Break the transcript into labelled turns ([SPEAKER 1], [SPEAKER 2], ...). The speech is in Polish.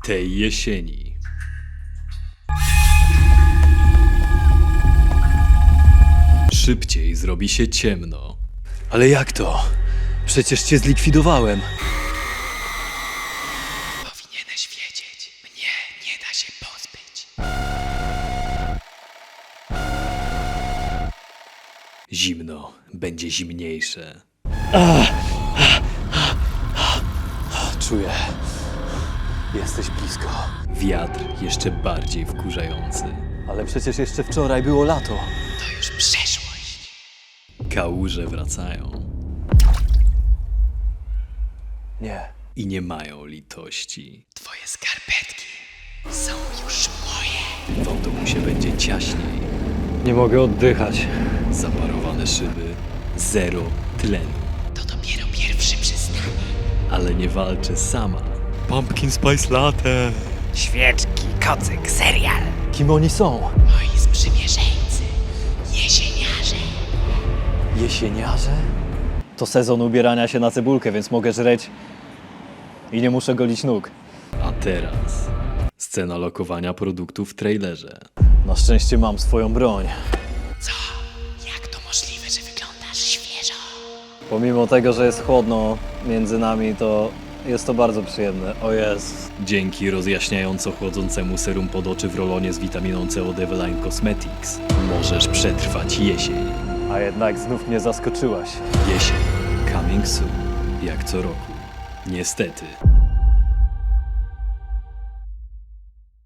[SPEAKER 1] tej jesieni. Szybciej zrobi się ciemno.
[SPEAKER 2] Ale jak to? Przecież cię zlikwidowałem.
[SPEAKER 3] Powinieneś wiedzieć, mnie nie da się pozbyć.
[SPEAKER 1] Zimno będzie zimniejsze.
[SPEAKER 2] Czuję. Jesteś blisko.
[SPEAKER 1] Wiatr jeszcze bardziej wkurzający.
[SPEAKER 2] Ale przecież jeszcze wczoraj było lato.
[SPEAKER 3] To już przeszłość.
[SPEAKER 1] Kałuże wracają
[SPEAKER 2] Nie.
[SPEAKER 1] i nie mają litości.
[SPEAKER 3] Twoje skarpetki są już moje.
[SPEAKER 1] W autobusie będzie ciaśniej.
[SPEAKER 2] Nie mogę oddychać.
[SPEAKER 1] Zaparowane szyby, zero tlenu.
[SPEAKER 3] To dopiero pierwszy przystanek.
[SPEAKER 1] Ale nie walczę sama. Pumpkin Spice Latte.
[SPEAKER 3] Świeczki, kocyk, serial.
[SPEAKER 2] Kim oni są?
[SPEAKER 3] Moi sprzymierzeńcy. Jesieniarze.
[SPEAKER 2] Jesieniarze? To sezon ubierania się na cebulkę, więc mogę żreć i nie muszę golić nóg.
[SPEAKER 1] A teraz scena lokowania produktów w trailerze.
[SPEAKER 2] Na szczęście mam swoją broń.
[SPEAKER 3] Co? Jak to możliwe, że wyglądasz świeżo?
[SPEAKER 2] Pomimo tego, że jest chłodno między nami, to jest to bardzo przyjemne. O jest.
[SPEAKER 1] Dzięki rozjaśniająco chłodzącemu serum pod oczy w rolonie z witaminą C od Eveline Cosmetics możesz przetrwać jesień.
[SPEAKER 2] A jednak znów mnie zaskoczyłaś.
[SPEAKER 1] Jesień. Coming soon. Jak co roku. Niestety.